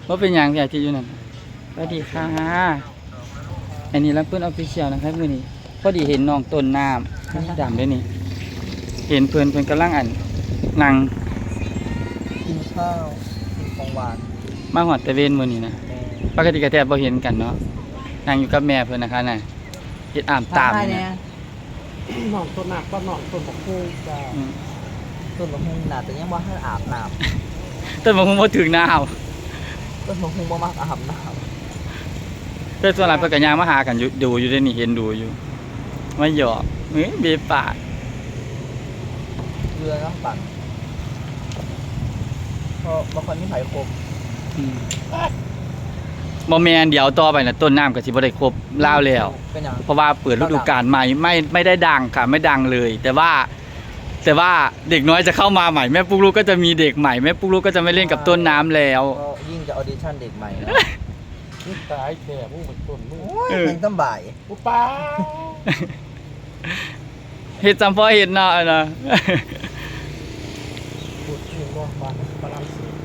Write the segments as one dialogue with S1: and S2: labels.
S1: ว่าเป็นอย่างที่อยู่นั่นสวัสดีค่ะอันนี้รับเพื่อนออฟฟิเชียลนะครับมื้อนี้พอดีเห็นน้องต้นน้ำดำด้วยนี่เห็นเพื่อนกำลังนั่ง
S2: กินข้าวกินของหวาน
S1: มาหอดตะเวนมื้อนี้นะปกติก็แทบบ่เห็นกันเนาะนั่งอยู่กับแม่เพิ่นนะคะน่ะเฮ็ดอ่ามตามนี่นะ
S3: หนองต้นหนักก็หนองต้นบักฮูจะ
S2: ต้นมะฮุงน่าจะยังว่าให้อาบน้
S1: ต้นบ่ฮู้บ่ถึงหน้าเอา
S2: ำต้นมะฮุงบ่มักอาบน้
S1: แต่ส่วนหลายเพิ่นก็ย่างมาหากันอยู่ดูอยู่ได้นี่เห็นดูอยู่มาหยอกเบปาก
S2: ำเกลือน้ำปั่นเพราะบางคนมีไผ่คม
S1: บ่แม่นเดี๋ยวต่อไปน่ะต้นน้ำก็สิบ่ได้ครบลาวแล้ว
S2: เป็นอย่าง
S1: เพราะว่าเปิดฤดูกาลใหม่ไม่ได้ดังค่ะไม่ดังเลย แต่ว่าเด็กน้อยจะเข้ามาใหม่แม่ปุ๊กลูกก็จะมีเด็กใหม่แม่ปุ๊กลูกก็จะไม่เล่นกับต้นน้ำแล้ว
S2: ก็ยิ่งจะออดิชั่นเด็กใหม่นะ
S3: นี่ตายแก่มึงเหมือนต้นมึง
S2: โอ้ยเพลงตั้มบ่าย
S3: อุป้า
S1: เฮ็ดจำพ่อเฮ็ดเนาะนะ
S3: พูดถึงว่าบ้านฝรั่งเศส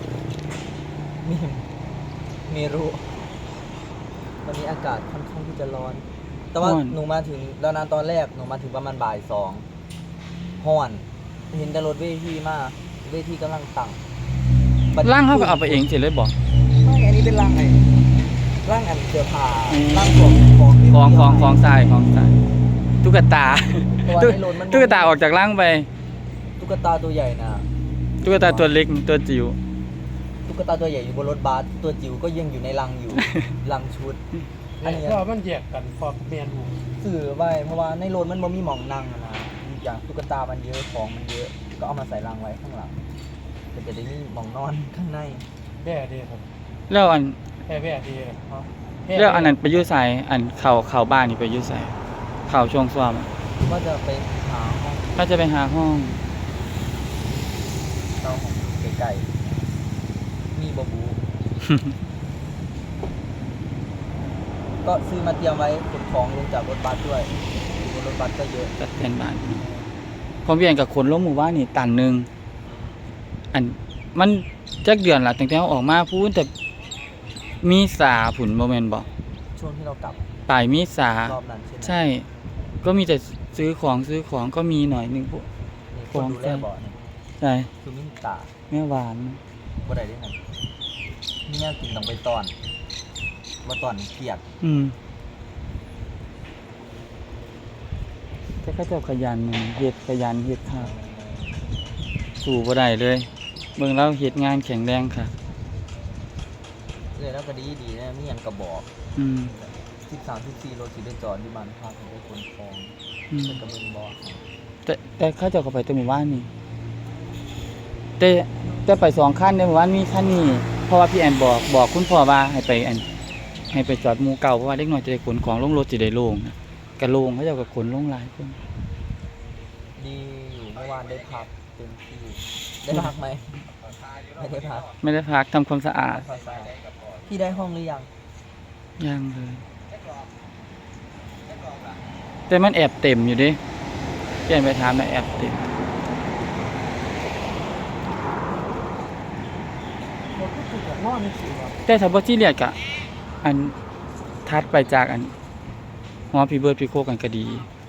S2: มีรู้วันนี้อากาศค่อนข้างที่จะร้อน แต่ว่าหนูมาถึงแล้วนะตอนแรกหนูมาถึงประมาณบ่าย2ฮ้อนเห็นแต่รถเวทีมาเวทีกำลังตั้ง
S1: ร่างเขาก็เอาไปเองเสร็จเลยบอก
S2: ไม่อันนี้เป็นร่างไงร่างอันเสื้อผ้า
S1: อืม
S2: ร่างของ
S1: ทรายตุ๊กตา
S2: เพราะว่าในรถมัน
S1: ตุ๊กตาออกจากร่างไป
S2: ตุ๊กตาตัวใหญ่นะ
S1: ตุ๊กตาตัวเล็กตัวจิ๋ว
S2: ตุ๊กตาตัวใหญ่อยู่บนรถบัสตัวจิ๋วก็ยังอยู่ในรัง อยู่ รังชุด อันนี้
S3: เพราะมันแยกกันพอเมียนหู
S2: สื่อไว้เพราะว่าในรถมันบ่มีหม่องนั่งอะนะอย่างตุ๊กตามันเยอะของมันเยอะ ก็เอามาใส่รังไว้ข้างหลังก็จะได้มีหม่องนอนข้างใน
S3: แบ่ดีครับ
S1: แล้วอัน
S3: แบ่ดีเนาะ
S1: แล้วอันนั้นไปยุ่ใส่อันเข่าบ้านนี่ไปยุ่ใส่เข่าช่วงซ้อม
S2: ว่าจะไปหาห้อง
S1: ก็จะไปหาห้อง
S2: เช่าของไกลๆมีบบู ก็ซื้อมาเตรียมไว้ขนของลงจากรถบัสด้วยอยู่บนรถบัสก็เยอะ
S1: จัดแทนบ้านพอเวียนกับคนล้มหมู่บ้านนี่ตันหนึ่งอันมันจักเดือนละตั้งแต่เราออกมาพูดแต่มีสาผุนโมเมนต์บอก
S2: ช่วงที่เรากลับ
S1: ปลายมีสาร
S2: อบนั้นใช่ไหม
S1: ใช่ ก็มีแต่ซื้อของก็มีหน่อยหนึงพวก
S2: มีคนดูแลบ่อนี่
S1: ใช่
S2: คือมินตา
S1: แม่หวาน
S2: บ่ได้ได้ไงมีแนวกินต้องไปตอนว่าตอนเกลียด
S1: แต่เขาเจ้าขยันเฮ็ดค่ะสู่บ่ได้เลยเบิ่งแล้วเฮ็ดงานแข็งแรงค่ะ
S2: เลยแล้วก็ดีนะมีหยังกระบอก
S1: อืม
S2: 13-14รถสิได้จอดที่บ้านพักได้ขนของ
S1: อืม
S2: เป็นกระเบื้องบ่อ
S1: แต่เขาเจ้าก็ไปแต่หมู่บ้านนี่แต่ไป2คันในหมู่บ้านมีคันนี้เพราะว่าพี่แอนบอกคุณพ่อว่าให้ไปจอดหมู่เก่าเพราะว่าเด็กน้อยจะได้ขนของลงรถสิได้โล่งนะก็โล่งเขาเจ้าก็ขนลงหลายคน
S2: ดีอยู่เมื่อวานได้พักเต็มที่ได้พักไหมไม่ได้พัก
S1: ไม่ได้พักทำความสะอาด
S2: ภาษาพี่ได้ห้องหรือยัง
S1: ยังเลยแต่มันแอบเต็มอยู่ดิเปลี่ยนไปถามนะแอบเต็ม
S3: เราก็คือแบบนอนในสิครับ
S1: แต่ถ้าบ่ที่เรียกกะอันทัดไปจากอันหอพี่เบิร์ดพี่โคกันก็ดี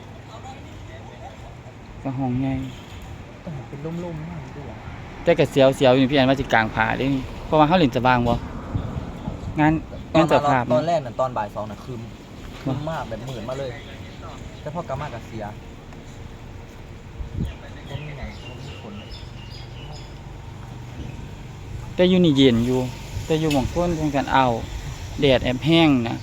S1: ก็ห้องใหญ่
S2: แต่เป็นลุ่มๆมากด้วย
S1: แต่ก็เสียวอยู่พี่แอนว่าสิกลางผาเด้นี่เพราะว่าเฮาเล่นสว่างบ่งานเจ้าภาพ
S2: ตอนแรกน่ะตอนบ่าย2น่ะคืมมากแบบหมื่นมาเลย แต่พอกลับมาก็เสียบ่มีหยังบ่มีผล
S1: แต่อยู่นี่เย็นอยู่ แต่อยู่หม่องคนเพิ่นกันเอาแดดแอบแห้งนะ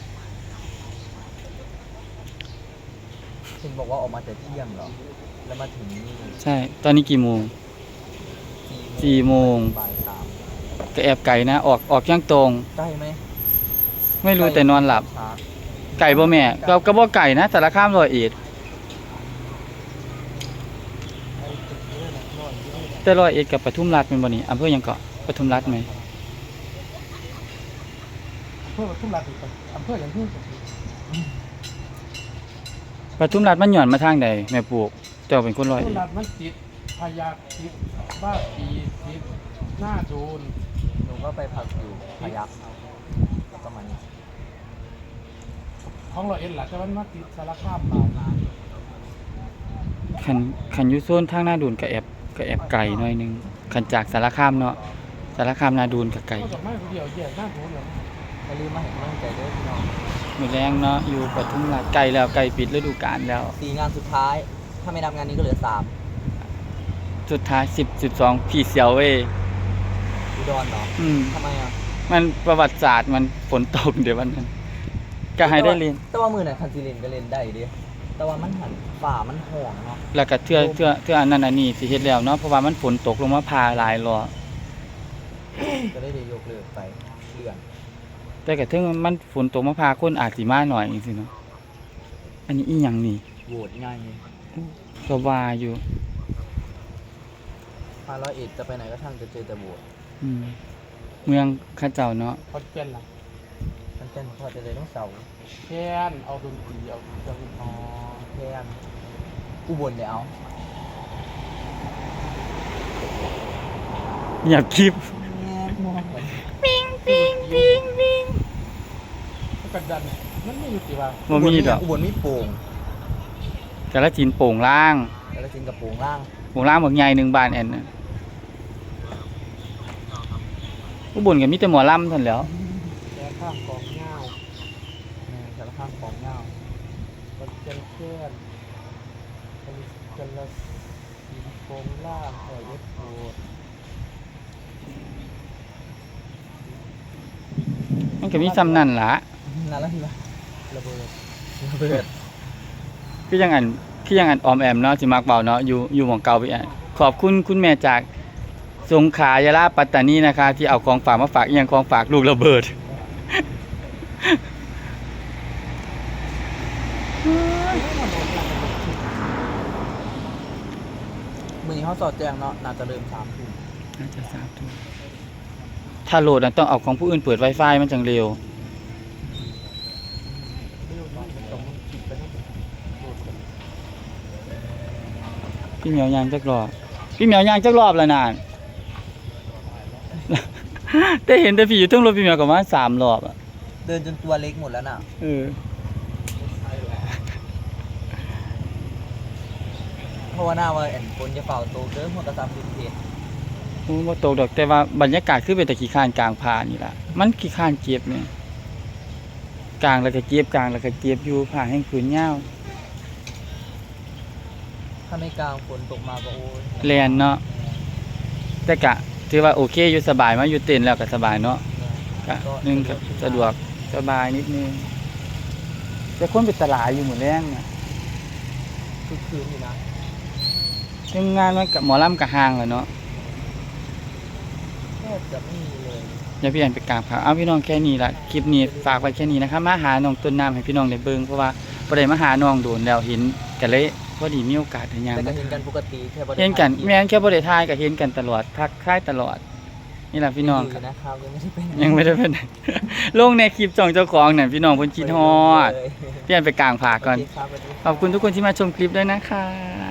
S2: เห็นบอกว่าออกมาแต่เที่ยงเหรอแล้วมาถึงนี่
S1: ใช่ ตอนนี้กี่โมง 4 โมง
S2: บ่าย3
S1: ก็แอบไกลนะออกยังตรง
S2: ใกล้ไหม
S1: ไม่รู้แต่นอนหลับ
S2: ช้า
S1: ไก่บ่แม่ก็บ่ไก่นะสารคาม100เอ็ดแต่100เอ็ดกับปทุมราชเป็นบ่นี่อำเภอหยังเกาะปทุมราชไหม
S3: เพื่อทุ่มรัดอีกอำเภออย่างที่
S1: ปทุมราชมันหย่อนมาทางใดแม่ปลูกเจ้าเป็นคน100
S3: ทุ่
S1: เอ็
S3: ม
S1: ด
S3: รัดมันติดพยาธิบ้าปีติดหน้าโดน
S2: หนูก็ก็ไปพักอยู่พายัพประมาณนี้
S3: ของเราเอ็นหล่ะแต่มันมาติดสารคามมา
S1: คันอยู่โซนทางหน้าดูนก็แอบไกลหน่อยนึงคันจากสารคามเนาะสารคามนาดูนก็ไกล
S3: ก็จะไม่คนเดียวแยกหน้าโน้นเลย
S2: อย่าลืมมาเห็นกำลังใจด้วยพี่น้อง
S1: มื้อแรงเนาะอยู่ปทุมราชไกลแล้วไกลปิดฤดูกาลแล้ว
S2: 4 งานสุดท้าย ถ้าไม่นับงานนี้ก็เหลือ
S1: สุดท้าย10.2พี่เสียวเว้ย
S2: 3อุดรเนาะ
S1: อืม
S2: ทำไมอ่ะ
S1: มันประวัติศาสตร์มันฝนตกเดี๋ยววันนั้นก็ให้ได้เรียน
S2: แต่ว่ามือไหนคันซีเรนก็เล่นได้ดิแต่ว่ามันหันฝ่ามันห่วงเนาะ
S1: แล้วก็เทื่ออันนั้นอันนี้สิเฮ็ดแล้วเนาะเพราะว่ามันฝนตกลงมาพาหลายรอบ
S2: ก็ได้ยกเลิกไปเลื่อน
S1: แต่ก็ถึงมันฝนตกมาพาคนอาจสิมาหน่อยจังซี่เนาะอันนี้อีหยังนี่
S2: โหวตง่าย
S1: ก็ว่าอยู่
S2: พาร้อยเอ็ดจะไปไหนก็ช่างจะเจอแต่โหวต
S1: อืมเมืองเข้าเจ้าเนาะ
S3: คอนเทนต์ล่ะ
S2: มันเป็นพอจะเลยต้องเสาร์
S3: แค่นเอาดนตรีเอาเครื่องดนต
S2: อ๋
S3: รี
S2: อแพนอุบลเดี๋ยวเอา
S1: เงียบคลิป
S3: ก็กันดันมันไม่อยู่ที่ว่า
S1: บ่มีดอก
S2: อุบลมีโป่ง
S1: แต่ละจีนโป่งล่าง
S2: แล้วก็จินกับโป่งล่าง
S1: โป่งล่างบักใหญ่หนึ่งบานแอนน่ะอุบลก็มีแต่หมอลำเท่านั้นแหล้ว
S3: แค่ข้ามกองเงา
S2: สารข้างของเงา
S3: คอนเทนต์แค่นกันละสีโครงล่างหอยเอฟโอ
S1: มันก็มีซ้ำนั่นล่ะ
S2: นั่นแล้วเหรอ
S3: ระเบิด
S2: ระเบิด
S1: คือยังอันออมแอมเนาะสิมักเบาเนาะอยู่หม่องเก่าไปอ่ะขอบคุณคุณแม่จากสงขลายะลาปัตตานีนะคะ ที่เอาของฝากมาฝากอีหยังของฝากลูกระเบิด
S2: มือนี้เขาสอดแจงเนาะน่าจะเริ่ม3 ทุ่ม
S1: น่าจะทราบทุกถ้าโหลดน่ะต้องเอาของผู้อื่นเปิด Wi-Fi มันจังเร็ว
S3: เรื่องนี้มันต้องมันคิดไปทั้งหมดโดดกัน
S1: พี่เหมียวยางจักรอบพี่เหมียวยางจักรอบแล้วนาน แต่เห็นแต่พี่อยู่เทั้งรถพี่เหมียวก็มา3รอบอ่ะ
S2: เดินจนตัวเล็กหมดแล้วน่ะ
S1: เออ
S2: เพราะว่าหน้าว่าแอนคนจะเฝ้าโตเกินหัวกระซับพื้นเพจ
S1: บ่ตกดอกแต่ว่าบรรยากาศคือเป็นแต่ขี้ข้านกลางพานี่ล่ะมันขี้ข้านเก็บเนี่ยกลางแล้วก็เก็บกลางแล้วก็เก็บอยู่ผ้าแห้งผืนยาว
S2: ถ้าไม่กลางฝนตกมาก็โอ้ย
S1: แลนเนาะแต่กะถือว่าโอเคอยู่สบายมาอยู่เต็นท์แล้วก็สบายเนาะกะนึงก็สะดวกสบายนิดนึงแต่คนไปตลาดอยู่หมดแรงน่ะ
S2: คือคืนอยู่นะ
S1: ซึ่งงานมันกับหมอลำกับห้างแหละเนาะ
S2: แทบจะไม่มีเลย
S1: อย่าพี่แอนไปกราบครับเอาพี่น้องแค่นี้ละคลิปนี้ฝากไว้แค่นี้นะครับมาหาน้องต้นน้ำให้พี่น้องได้เบิ่งเพราะว่าบ่ได้มาหาน้องโดนแล้วเห็นกันเลยพอดีมีโอกาสได้ยาม
S2: แต่ก็
S1: มา
S2: เห็นกันปกติแค่บ่ได้
S1: เห็นกัน
S2: ถ่ายคลิป
S1: แม่นแค่บ่ได้ทายก็เห็นกันตลอดทักทายตลอด นี่ล่ะพี่น้อง
S2: ยู่
S1: ครับ
S2: นะครับยังไม่ได้ไปไหน
S1: ยังไม่ได้เป็น ลงในคลิปจ่องเจ้าของน่ะพี่น้องเพิ่นคิดฮอด
S2: เลย
S1: พี่แอนไปกลางผาก่อน
S2: โเคครับสวัสดีครับ
S1: ขอบคุณทุกคนที่มาชมคลิปด้วยนะคะ